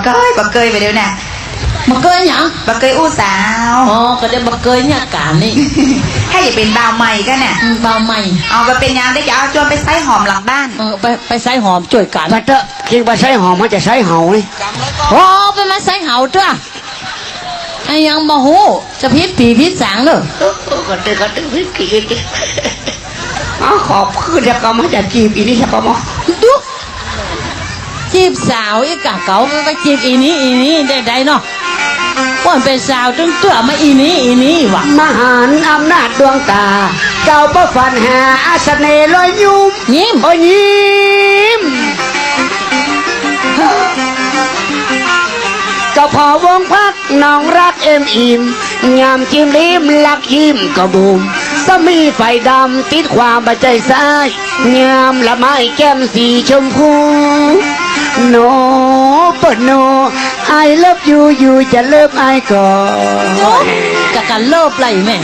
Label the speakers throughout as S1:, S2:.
S1: เกยไปเดี๋ยวน่ะ
S2: บักเกยหยัง
S1: บักเกยอู้สาว
S2: อ๋อก็ได้บักเกยเนี่ยการนี่
S1: ให้อย่าเป็นบ่าวใหม่กันน่ะ
S2: บ่าวใหม่
S1: เอาไปเป็นยังได้จะเอาจวนไปใส่หอมหลังบ้าน
S2: ไปใส่หอมช่วยกัน
S3: มาเถอะกินไปใส่หอมมันจะใส่เห่านี่
S2: โอ้ไปมาใส่เห่าเถอะไอ้ยังบ่ฮู้จะพิษผีพิษสางเด้อ
S3: ก็ตึกพิษผีขอบคือจะก็มาจะจีบอีนี่ใช่ปะมั้ง
S2: ดูจีบสาวอีกะเก๋าไปจีบอีนี้ได้เนาะก่อนเป็นสาวตึ้งเตื้อมาอีนี้วะ
S3: มหาอำนาจดวงตาเจ้าประฟันหาอาสเนลอยยิ้มโอ้ยิ้มก็พอวงพักน้องรักอิ่มยามจิ้มลิ้มลักยิ้มก็บูมก็มีไฟดำติดความบาดใจซ้ายยามละไม้แก้มสีชมพูโนเปิดโนไอเลิฟยูจะเลิฟไอก่อน
S2: จะกันเลิฟไรแม่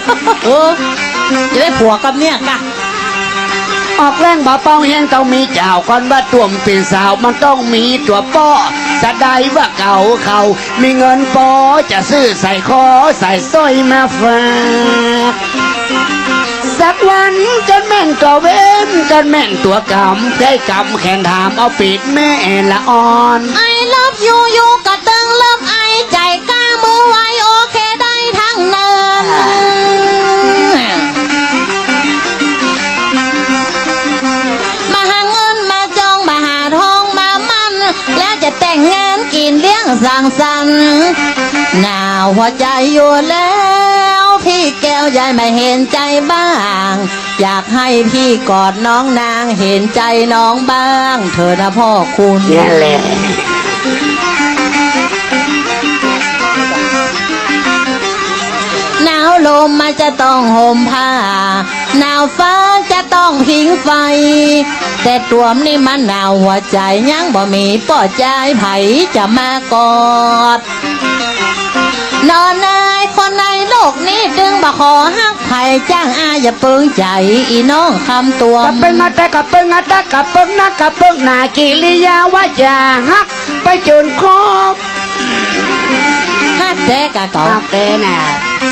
S2: จะได้ผัวกับเนี่ยกะ
S3: ออกแรงบ่าเป้าแห้งต้องมีเจ้าก่อนว่าตัวมเป็นสาวมันต้องมีตัวป้อจะได้ว่าเก่าเขามีเงินปอจะซื้อใส่คอใส่สร้อยมาฝากสักวันจนแม่นก็เว้นจนแม่นตัวกำได้กำแขนถามเอาปิดแม่ละอ่อน
S2: ไอเลิฟยูกะตึงเลิฟไอใจกล้ามือไว้โอเคได้ทั้งนั้นมาหาเงินมาจองมาหาทองมามันแล้วจะแต่งงานกินเลี้ยงสังสรรค์หนาวหัวใจอยู่แล้วพี่แก้วใหญ่ไม่เห็นใจบ้างอยากให้พี่กอดน้องนางเห็นใจน้องบ้างเธอนะพ่อคุณ
S3: นี่แหละ
S2: หนาวลมมันจะต้องห่มผ้าหนาวฟ้าจะต้องพิงไฟแต่ตัวมนี่มันหนาวหัวใจยังบ่มีปอดใจไผจะมากอดนอนนายคนในโลกนี้ดึงบ่ขอฮักไผ่จ้างอาอย่าเปิงใจอีน้องคำตัว
S3: กับเปิงอาตะกับเปิงอาตะกับเปิงนักกับเปิงนากิริยาว่าจะฮักไปจนครบ
S2: ฮักแต่กะเก่า
S3: ฮักแต่น่ะ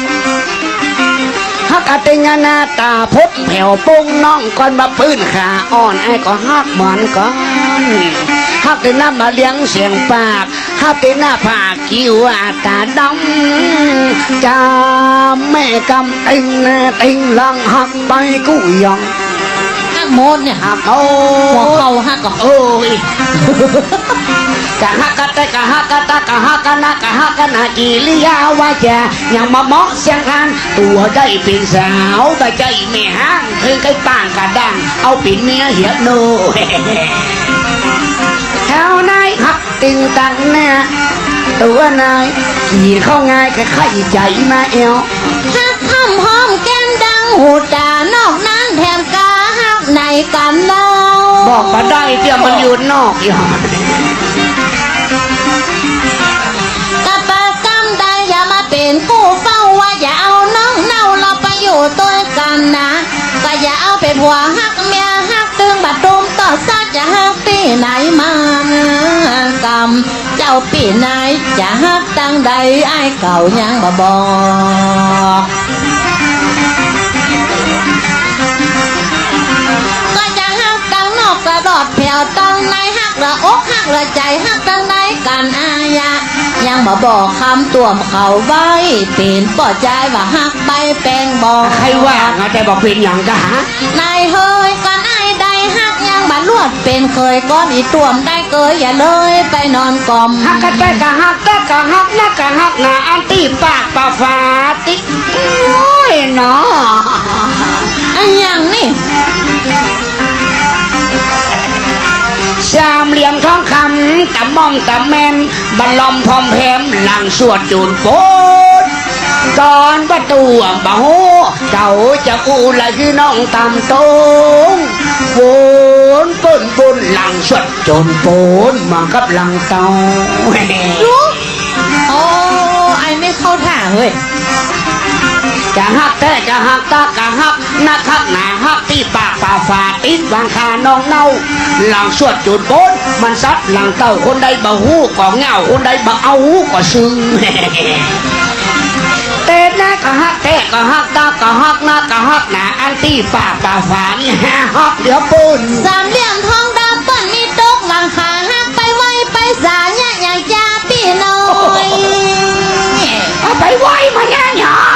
S3: ฮักอาติงานาตาพบแผ่วปุ้งน้องก่อนมาปื้นขาอ่อนไอ้ก็ฮักเหมือนก่อนฮักแต่น้ำมาเลี้ยงเสียงปากฮักแต่หน้าผากคิ้วตาดำจาแม่กำติงติงลังฮักไปกู้ยอง
S2: ฮักโมดเนี่ย
S3: ฮักโอ้
S2: หัวเขาฮักก็
S3: โอ้ยกะฮักกะตะกะฮักกะตะกะฮักกะนะกะฮักกะนะกิริยาว่าจะยังมาเหมาะเสียงคันตัวได้เป็นสาวแต่ใจไม่ห่างคือไก่ต่างกะดังเอาปิ่นเมียเหียโนแถวนายฮักติงตังเนี่ยตัวนายขี่เข้าง่ายแค่ไข่ใจมาเอว
S2: ฮักห้ำหอมแก้มดังหูตานอกนั้นแถมกาฮักในกันเล่า
S3: บอกมาได้เดี๋ยวมันอยู่นอกอย่าง
S2: กะปะกำได้อย่ามาเป็นกู้เฝ้าว่าอย่าเอาน้องเน่าเราไปอยู่ตัวกันนะก็อย่าเอาไปผัวฮักเมียฮักตึงบัดตุมต่อซักจะฮักปีไหนมากำเจ้าปีไหนจะฮักตั้งใดไอ้เก่ายังบ่บอกก็จะฮักตั้งนอกกระดอดแผ่วตั้งในฮักละอกฮักละใจฮักตั้งใดกันอายะยังมาบอกคำตัวเขาไว้เป็นปอดใจว่าฮักไปแปลงบอก
S3: ใครว่าแต่บอกเป็นอย่างกะฮะ
S2: นายเฮยกันไอ้ใดฮักยังบัดลวดเป็นเคยก้อนอีตัวมได้เกยอย่าเลยไปนอนกลม
S3: ฮักกะแต่กะฮักแต่กะฮักนะกะฮักนะอันตีปากปะฟาติโอ้ยเนาะ
S2: อันยังนี่
S3: สามเหลี่ยมทองคำตะมองตะแมนบัลลอมพร้อมแพมหลังสวดจูนโปดก่อนประตูบ่โหเจ้าจะกูละคือน้องตำตงโวนปุ่นหลังสวดจูนโปดมากับหลังเตา
S2: โอ้ไอไม่เข้าท่าเฮ้ย
S3: กะฮักแต่กะฮักตากะฮักนักฮักหนาฮักที่ปากป่าฝาติดวางคาน้องเน่าหลังสวดจุดโบนมันซัดหลังเต้าคนใดบ่ฮู้ก็เหงาคนใดบ่เอาก็ซึ้ง เต้นนะก็ฮักเต้ก็ฮักตาก็ฮักหน้าก็ฮักหนาอันตี้ฝ่าป่าฝานี่ฮักเดี๋ยวปุ่น
S2: สามเหลี่ยมทองดำเปิ้นมีตกหลังคาหักไปไว้ไปสาเนี่ยอยากจะพี่น้อย
S3: เอาไปไว้มาย่างหยอง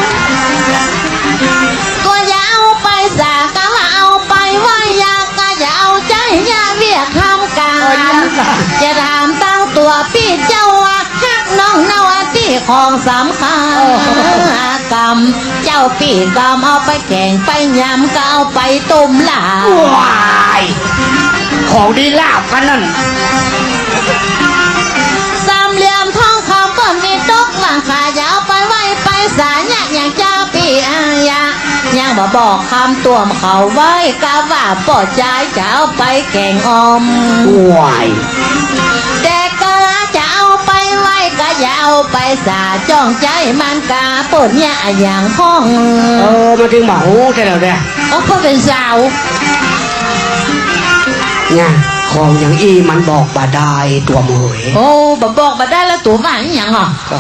S2: ก็อย่าเอาไปสาก็ว่าเอาไปไว้อยากก็อย่าเอาใจอย่าเรียกทำการจะถามตั้งตัวพี่เจ้าว่าฮักน้องนาวที่ของสำคัญกรรมเจ้าพี่กรรมเอาไปแกงไปยำก็เอาไปต้มลาบ
S3: ว้ายของดีลาบกันนั่น
S2: สามเหลี่ยมทองคำก็มีตกหลังคายาวไปไว้ไปสาเนี่ยอย่างเจ้าพี่อายายังมาบอกคำตัวมเขาไว้กะว่าปอดใจจะเอาไปแกงอม
S3: ว้าย
S2: แต่ก็จะเอาไปไว้ก็อย่าเอาไปสาจ้องใจมันกาปนเนี่ยอย่างห้อง
S3: มาถึงหมาหูใช่แล้วเนี่ย
S2: โอ้เพื่อเป็นสาว
S3: เนี่ยของอย่างอีมันบอกบ่ได้ตัวมือ
S2: โอ้บอกมาได้แล้วตัวว่าอหย่างอ่ะ
S3: ก็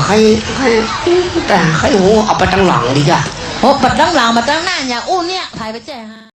S3: แต่ให้หูเอาไปตั้งหลังดีกว่า
S2: โอ้ปัดตั้งหลังมาตั้งหน้าอย่างอู้เนี่ยถ่ายไปแจ้งฮะ